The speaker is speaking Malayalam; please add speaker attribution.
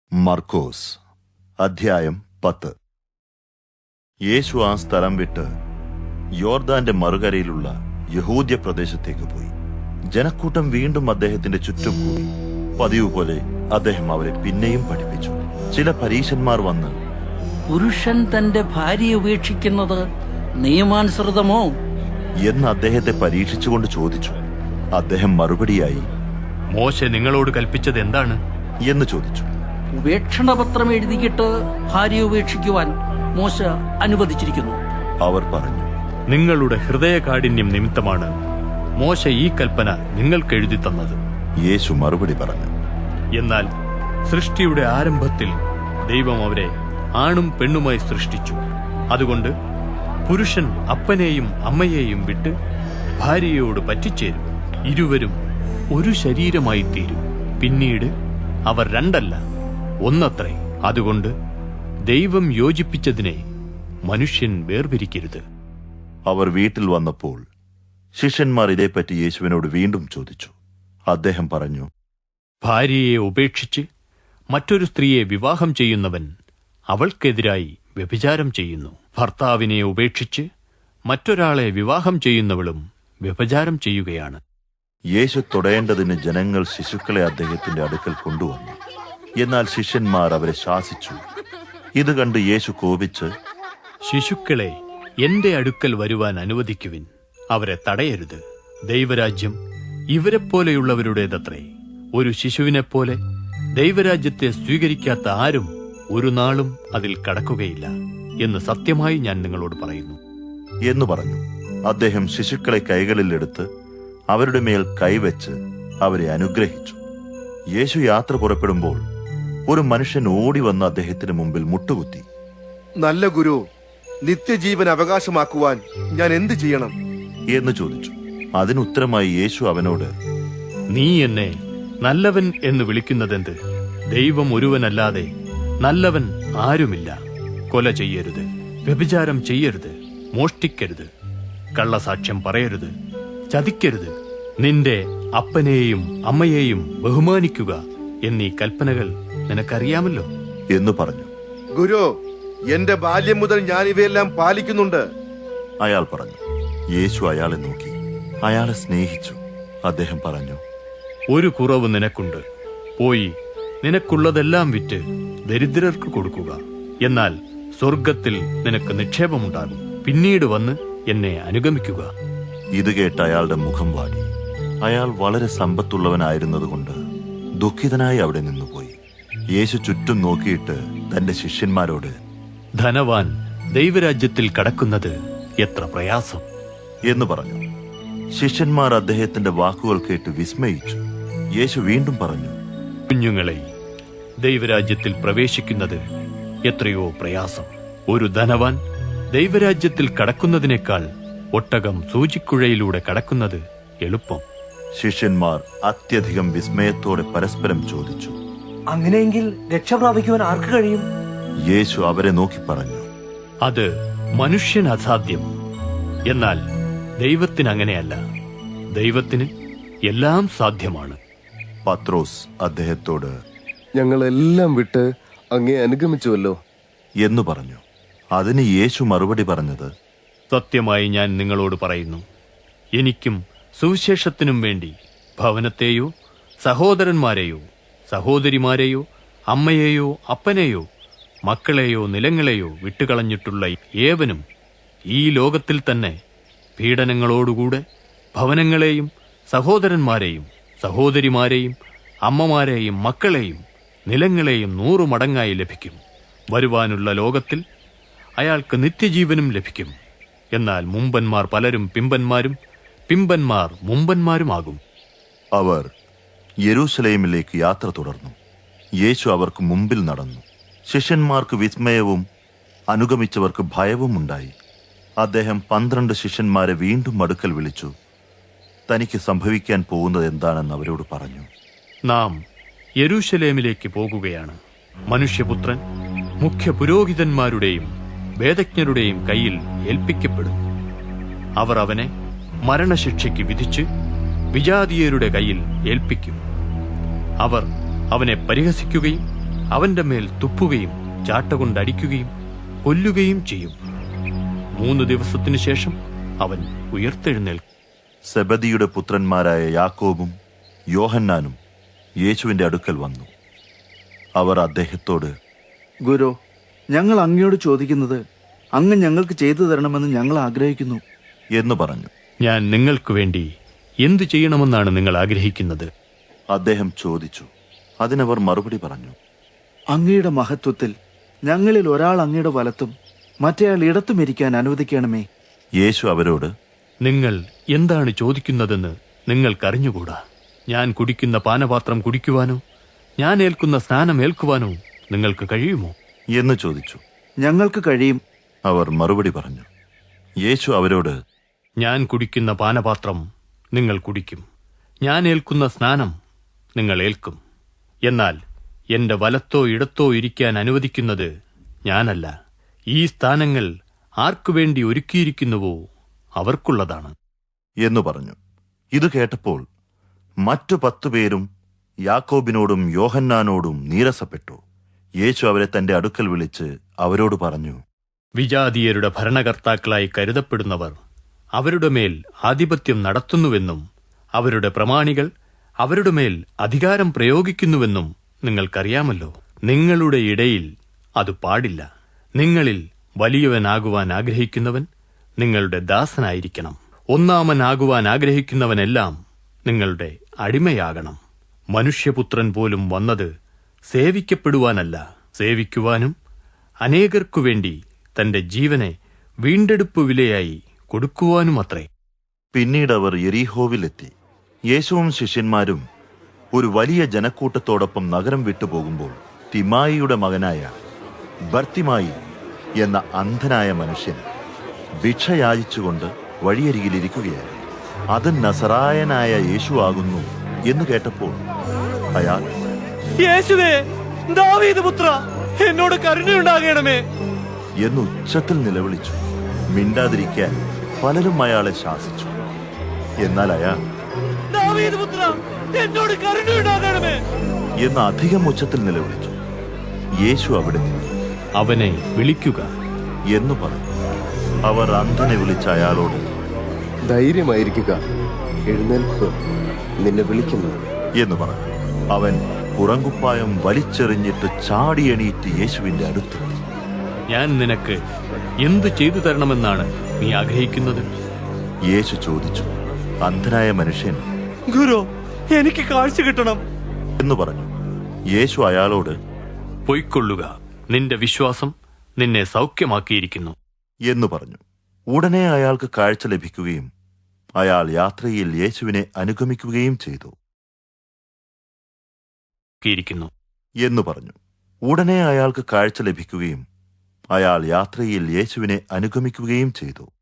Speaker 1: മർക്കോസ് അധ്യായം 10. യേശു ആ സ്ഥലം വിട്ട് യോർദാന്റെ മറുകരയിലുള്ള യഹൂദ്യ പ്രദേശത്തേക്ക് പോയി. ജനക്കൂട്ടം വീണ്ടും അദ്ദേഹത്തിന്റെ ചുറ്റും കൂടി. പതിവ് പോലെ അദ്ദേഹം അവരെ പിന്നെയും പഠിപ്പിച്ചു. ചില പരീശന്മാർ വന്ന്,
Speaker 2: പുരുഷൻ തന്റെ ഭാര്യയെ ഉപേക്ഷിക്കുന്നത് നിയമാനുസൃതമോ
Speaker 1: എന്ന് അദ്ദേഹത്തെ പരീക്ഷിച്ചുകൊണ്ട് ചോദിച്ചു. അദ്ദേഹം മറുപടിയായി,
Speaker 3: മോശെ നിങ്ങളോട് കൽപ്പിച്ചത് എന്താണ്
Speaker 1: എന്ന് ചോദിച്ചു.
Speaker 2: ഉപേക്ഷണപത്രം എഴുതിയിട്ട് ഭാര്യയെ ഉപേക്ഷിക്കുവാൻ മോശ അനുവദിച്ചിരിക്കുന്നു.
Speaker 1: അവർ പറഞ്ഞു,
Speaker 3: നിങ്ങളുടെ ഹൃദയകാഠിന്യം നിമിത്തമാണ് മോശ ഈ കൽപ്പന നിങ്ങൾക്ക് എഴുതി തന്നത്.
Speaker 1: യേശു മറുപടി പറഞ്ഞു,
Speaker 3: എന്നാൽ സൃഷ്ടിയുടെ ആരംഭത്തിൽ ദൈവം അവരെ ആണും പെണ്ണുമായി സൃഷ്ടിച്ചു. അതുകൊണ്ട് പുരുഷൻ അപ്പനെയും അമ്മയെയും വിട്ട് ഭാര്യയോട് പറ്റിച്ചേരും, ഇരുവരും ഒരു ശരീരമായി തീരും. പിന്നീട് അവർ രണ്ടല്ല, ഒന്നത്രേ. അതുകൊണ്ട് ദൈവം യോജിപ്പിച്ചതിനെ മനുഷ്യൻ വേർപിരിക്കരുത്.
Speaker 1: അവർ വീട്ടിൽ വന്നപ്പോൾ ശിഷ്യന്മാർ ഇതേപ്പറ്റി യേശുവിനോട് വീണ്ടും ചോദിച്ചു. അദ്ദേഹം പറഞ്ഞു,
Speaker 3: ഭാര്യയെ ഉപേക്ഷിച്ച് മറ്റൊരു സ്ത്രീയെ വിവാഹം ചെയ്യുന്നവൻ അവൾക്കെതിരായി വ്യഭിചാരം ചെയ്യുന്നു. ഭർത്താവിനെ ഉപേക്ഷിച്ച് മറ്റൊരാളെ വിവാഹം ചെയ്യുന്നവളും വ്യഭിചാരം ചെയ്യുകയാണ്.
Speaker 1: യേശു തൊടേണ്ടതിന് ജനങ്ങൾ ശിശുക്കളെ അദ്ദേഹത്തിന്റെ അടുക്കൽ കൊണ്ടുവന്നു. എന്നാൽ ശിഷ്യന്മാർ അവരെ ശാസിച്ചു. ഇത് കണ്ട് യേശു കോപിച്ച്,
Speaker 3: ശിശുക്കളെ എന്റെ അടുക്കൽ വരുവാൻ അനുവദിക്കുവിൻ, അവരെ തടയരുത്. ദൈവരാജ്യം ഇവരെപ്പോലെയുള്ളവരുടേതത്രേ. ഒരു ശിശുവിനെപ്പോലെ ദൈവരാജ്യത്തെ സ്വീകരിക്കാത്ത ആരും ഒരു നാളും അതിൽ കടക്കുകയില്ല എന്ന് സത്യമായി ഞാൻ നിങ്ങളോട് പറയുന്നു
Speaker 1: എന്ന് പറഞ്ഞു. അദ്ദേഹം ശിശുക്കളെ കൈകളിലെടുത്ത് അവരുടെ മേൽ കൈവച്ച് അവരെ അനുഗ്രഹിച്ചു. യേശു യാത്ര പുറപ്പെടുമ്പോൾ ഒരു മനുഷ്യൻ ഓടി വന്ന് അദ്ദേഹത്തിന് മുമ്പിൽ മുട്ടുകുത്തി.
Speaker 4: നല്ല ഗുരു, നിത്യജീവൻ അവകാശമാക്കുവാൻ ഞാൻ എന്ത് ചെയ്യണം
Speaker 1: എന്ന് ചോദിച്ചു. അതിനുത്തരമായി യേശു അവനോട്,
Speaker 3: നീ എന്നെ നല്ലവൻ എന്ന് വിളിക്കുന്നതെന്ത്? ദൈവം ഒരുവനല്ലാതെ നല്ലവൻ ആരുമില്ല. കൊല ചെയ്യരുത്, വ്യഭിചാരം ചെയ്യരുത്, മോഷ്ടിക്കരുത്, കള്ളസാക്ഷ്യം പറയരുത്, ചതിക്കരുത്, നിന്റെ അപ്പനെയും അമ്മയെയും ബഹുമാനിക്കുക എന്നീ കൽപ്പനകൾ നിനക്കറിയാമല്ലോ
Speaker 1: എന്ന് പറഞ്ഞു.
Speaker 4: ഗുരു, എന്റെ ബാല്യം മുതൽ ഞാൻ ഇവയെല്ലാം പാലിക്കുന്നുണ്ട്.
Speaker 1: അയാൾ പറഞ്ഞു. യേശു അയാളെ നോക്കി അയാളെ സ്നേഹിച്ചു. അദ്ദേഹം പറഞ്ഞു,
Speaker 3: ഒരു കുറവ് നിനക്കുണ്ട്. പോയി നിനക്കുള്ളതെല്ലാം വിറ്റ് ദരിദ്രർക്ക് കൊടുക്കുക. എന്നാൽ സ്വർഗത്തിൽ നിനക്ക് നിക്ഷേപമുണ്ടാകും. പിന്നീട് വന്ന് എന്നെ അനുഗമിക്കുക.
Speaker 1: ഇത് കേട്ട് അയാളുടെ മുഖം വാടി. അയാൾ വളരെ സമ്പത്തുള്ളവനായിരുന്നതുകൊണ്ട് ദുഃഖിതനായി അവിടെ നിന്നുപോയി. യേശു ചുറ്റും നോക്കിയിട്ട് തന്റെ ശിഷ്യന്മാരോട്,
Speaker 3: ധനവാൻ ദൈവരാജ്യത്തിൽ കടക്കുന്നത് എത്ര പ്രയാസം
Speaker 1: എന്ന് പറഞ്ഞു. ശിഷ്യന്മാർ അദ്ദേഹത്തിന്റെ വാക്കുകൾ കേട്ട് വിസ്മയിച്ചു. യേശു വീണ്ടും പറഞ്ഞു,
Speaker 3: കുഞ്ഞുങ്ങളെ, ദൈവരാജ്യത്തിൽ പ്രവേശിക്കുന്നത് എത്രയോ പ്രയാസം. ഒരു ധനവാൻ ദൈവരാജ്യത്തിൽ കടക്കുന്നതിനേക്കാൾ ഒട്ടകം സൂചിക്കുഴയിലൂടെ കടക്കുന്നത് എളുപ്പം.
Speaker 1: ശിഷ്യന്മാർ അത്യധികം വിസ്മയത്തോടെ പരസ്പരം ചോദിച്ചു,
Speaker 5: അങ്ങനെയെങ്കിൽ രക്ഷപ്രാപിക്കുവാൻ ആർക്ക് കഴിയും?
Speaker 1: യേശു അവരെ നോക്കി പറഞ്ഞു,
Speaker 3: അത് മനുഷ്യന് അസാധ്യം, എന്നാൽ ദൈവത്തിന് അങ്ങനെയല്ല. ദൈവത്തിന് എല്ലാം സാധ്യമാണ്.
Speaker 1: പത്രോസ് അദ്ദേഹത്തോട്,
Speaker 4: ഞങ്ങളെല്ലാം വിട്ട് അങ്ങേ അനുഗമിച്ചുവല്ലോ
Speaker 1: എന്ന് പറഞ്ഞു. അതിന് യേശു മറുപടി പറഞ്ഞത്,
Speaker 3: സത്യമായി ഞാൻ നിങ്ങളോട് പറയുന്നു, എനിക്കും സുവിശേഷത്തിനും വേണ്ടി ഭവനത്തെയോ സഹോദരന്മാരെയോ സഹോദരിമാരെയോ അമ്മയെയോ അപ്പനെയോ മക്കളെയോ നിലങ്ങളെയോ വിട്ടുകളഞ്ഞിട്ടുള്ള ഏവനും ഈ ലോകത്തിൽ തന്നെ പീഡനങ്ങളോടുകൂടെ ഭവനങ്ങളെയും സഹോദരന്മാരെയും സഹോദരിമാരെയും അമ്മമാരെയും മക്കളെയും നിലങ്ങളെയും 100 മടങ്ങായി ലഭിക്കും. വരുവാനുള്ള ലോകത്തിൽ അയാൾക്ക് നിത്യജീവനും ലഭിക്കും. എന്നാൽ മുമ്പന്മാർ പലരും പിമ്പന്മാരും പിമ്പന്മാർ മുമ്പന്മാരുമാകും.
Speaker 1: അവർ യെരൂശലേമിലേക്ക് യാത്ര തുടർന്നു. യേശു അവർക്ക് മുമ്പിൽ നടന്നു. ശിഷ്യന്മാർക്ക് വിസ്മയവും അനുഗമിച്ചവർക്ക് ഭയവും ഉണ്ടായി. അദ്ദേഹം 12 ശിഷ്യന്മാരെ വീണ്ടും അടുക്കൽ വിളിച്ചു തനിക്ക് സംഭവിക്കാൻ പോകുന്നത് എന്താണെന്ന് അവരോട് പറഞ്ഞു.
Speaker 3: നാം യെരൂശലേമിലേക്ക് പോകുകയാണ്. മനുഷ്യപുത്രൻ മുഖ്യ പുരോഹിതന്മാരുടെയും വേദജ്ഞരുടെയും കയ്യിൽ ഏൽപ്പിക്കപ്പെടും. അവർ അവനെ മരണശിക്ഷയ്ക്ക് വിധിച്ച് വിജാതീയരുടെ കയ്യിൽ ഏൽപ്പിക്കും. അവർ അവനെ പരിഹസിക്കുകയും അവന്റെ മേൽ തുപ്പുകയും ചാട്ടകൊണ്ടടിക്കുകയും കൊല്ലുകയും ചെയ്യും. 3 ദിവസത്തിനു ശേഷം അവൻ ഉയർത്തെഴുന്നേൽക്കും.
Speaker 1: സെബദിയുടെ പുത്രന്മാരായ യാക്കോബും യോഹന്നാനും യേശുവിന്റെ അടുക്കൽ വന്നു. അവർ അദ്ദേഹത്തോട്,
Speaker 6: ഗുരു, ഞങ്ങൾ അങ്ങയോട് ചോദിക്കുന്നത് അങ്ങ് ഞങ്ങൾക്ക് ചെയ്തു തരണമെന്ന് ഞങ്ങൾ ആഗ്രഹിക്കുന്നു
Speaker 1: എന്ന് പറഞ്ഞു.
Speaker 3: ഞാൻ നിങ്ങൾക്ക് വേണ്ടി എന്തു ചെയ്യണമെന്നാണ് നിങ്ങൾ ആഗ്രഹിക്കുന്നത്?
Speaker 1: അദ്ദേഹം ചോദിച്ചു. അതിനവർ മറുപടി പറഞ്ഞു,
Speaker 6: അങ്ങയുടെ മഹത്വത്തിൽ ഞങ്ങളിൽ ഒരാൾ അങ്ങയുടെ വലത്തും മറ്റേയാൾ ഇടത്തും ഇരിക്കാൻ അനുവദിക്കണമേ.
Speaker 1: യേശു അവരോട്,
Speaker 3: നിങ്ങൾ എന്താണ് ചോദിക്കുന്നതെന്ന് നിങ്ങൾക്കറിഞ്ഞുകൂടാ. ഞാൻ കുടിക്കുന്ന പാനപാത്രം കുടിക്കുവാനോ ഞാൻ ഏൽക്കുന്ന സ്നാനം ഏൽക്കുവാനോ നിങ്ങൾക്ക് കഴിയുമോ
Speaker 1: എന്ന് ചോദിച്ചു.
Speaker 6: ഞങ്ങൾക്ക് കഴിയും.
Speaker 1: അവർ മറുപടി പറഞ്ഞു. യേശു അവരോട്,
Speaker 3: ഞാൻ കുടിക്കുന്ന പാനപാത്രം നിങ്ങൾ കുടിക്കും, ഞാൻ ഏൽക്കുന്ന സ്നാനം നിങ്ങൾ ഏൽക്കും. എന്നാൽ എന്റെ വലത്തോ ഇടത്തോ ഇരിക്കാൻ അനുവദിക്കുന്നത് ഞാനല്ല. ഈ സ്ഥാനങ്ങൾ ആർക്കുവേണ്ടി ഒരുക്കിയിരിക്കുന്നുവോ അവർക്കുള്ളതാണ്
Speaker 1: എന്നു പറഞ്ഞു. ഇത് കേട്ടപ്പോൾ മറ്റു 10 പേരും യാക്കോബിനോടും യോഹന്നാനോടും നീരസപ്പെട്ടു. യേശു അവരെ തന്റെ അടുക്കൽ വിളിച്ച് അവരോട് പറഞ്ഞു,
Speaker 3: വിജാതീയരുടെ ഭരണകർത്താക്കളായി കരുതപ്പെടുന്നവർ അവരുടെ മേൽ ആധിപത്യം നടത്തുന്നുവെന്നും അവരുടെ പ്രമാണികൾ അവരുടെ മേൽ അധികാരം പ്രയോഗിക്കുന്നുവെന്നും നിങ്ങൾക്കറിയാമല്ലോ. നിങ്ങളുടെ ഇടയിൽ അത് പാടില്ല. നിങ്ങളിൽ വലിയവനാകുവാൻ ആഗ്രഹിക്കുന്നവൻ നിങ്ങളുടെ ദാസനായിരിക്കണം. ഒന്നാമനാകുവാൻ ആഗ്രഹിക്കുന്നവനെല്ലാം നിങ്ങളുടെ അടിമയാകണം. മനുഷ്യപുത്രൻ പോലും വന്നത് സേവിക്കപ്പെടുവാനല്ല, സേവിക്കുവാനും അനേകർക്കുവേണ്ടി തന്റെ ജീവനെ വീണ്ടെടുപ്പ് വിലയായി കൊടുക്കുവാനുമത്രേ.
Speaker 1: പിന്നീട് അവർ യെരീഹോവിലെത്തി. യേശുവും ശിഷ്യന്മാരും ഒരു വലിയ ജനക്കൂട്ടത്തോടൊപ്പം നഗരം വിട്ടുപോകുമ്പോൾ തിമായിയുടെ മകനായ ബർത്തിമായി എന്ന അന്ധനായ മനുഷ്യൻ ഭിക്ഷ യാചിച്ചുകൊണ്ട് വഴിയരികിലിരിക്കുകയായിരുന്നു. അത് നസറായനായ യേശു ആകുന്നു എന്ന് കേട്ടപ്പോൾ അയാൾ,
Speaker 5: യേശുവേ, ദാവീദ് പുത്ര, എന്നോട് കരുണയുണ്ടാകണമേ
Speaker 1: എന്ന് ഉച്ചത്തിൽ നിലവിളിച്ചു. മിണ്ടാതിരിക്കാൻ പലരും അയാളെ ശാസിച്ചു. എന്നാൽ അയാൾ,
Speaker 5: ദാവീദ് പുത്ര, എന്നോട് കരുണയുണ്ടാകണമേ
Speaker 1: എന്ന് അധികം ഉച്ചത്തിൽ നിലവിളിച്ചു. യേശു അവിടെ നിന്നു.
Speaker 3: അവനെ വിളിക്കുക
Speaker 1: എന്ന് പറഞ്ഞു. അവർ അന്ധനെ വിളിച്ച അയാളോട്,
Speaker 7: ധൈര്യമായിരിക്കുക, എഴുന്നേൽക്കുക, നിന്നെ വിളിക്കുന്നു
Speaker 1: എന്ന് പറഞ്ഞു. അവൻ പുറങ്കുപ്പായം വലിച്ചെറിഞ്ഞിട്ട് ചാടി എണീറ്റ് യേശുവിന്റെ അടുത്തെത്തി.
Speaker 3: ഞാൻ നിനക്ക് എന്തു ചെയ്തു തരണമെന്നാണ് നീ ആഗ്രഹിക്കുന്നത്?
Speaker 1: യേശു ചോദിച്ചു. അന്ധനായ മനുഷ്യൻ,
Speaker 5: ഗുരു, എനിക്ക് കാഴ്ച കിട്ടണം
Speaker 1: എന്ന് പറഞ്ഞു. യേശു അയാളോട്,
Speaker 3: പൊയ്ക്കൊള്ളുക, നിന്റെ വിശ്വാസം നിന്നെ സൗഖ്യമാക്കിയിരിക്കുന്നു
Speaker 1: എന്ന് പറഞ്ഞു. ഉടനെ അയാൾക്ക് കാഴ്ച ലഭിക്കുകയും അയാൾ യാത്രയിൽ യേശുവിനെ അനുഗമിക്കുകയും ചെയ്തു എന്ന് പറഞ്ഞു. ഉടനെ അയാൾക്ക് കാഴ്ച ലഭിക്കുകയും അയാൾ യാത്രയിൽ യേശുവിനെ അനുഗമിക്കുകയും ചെയ്തു.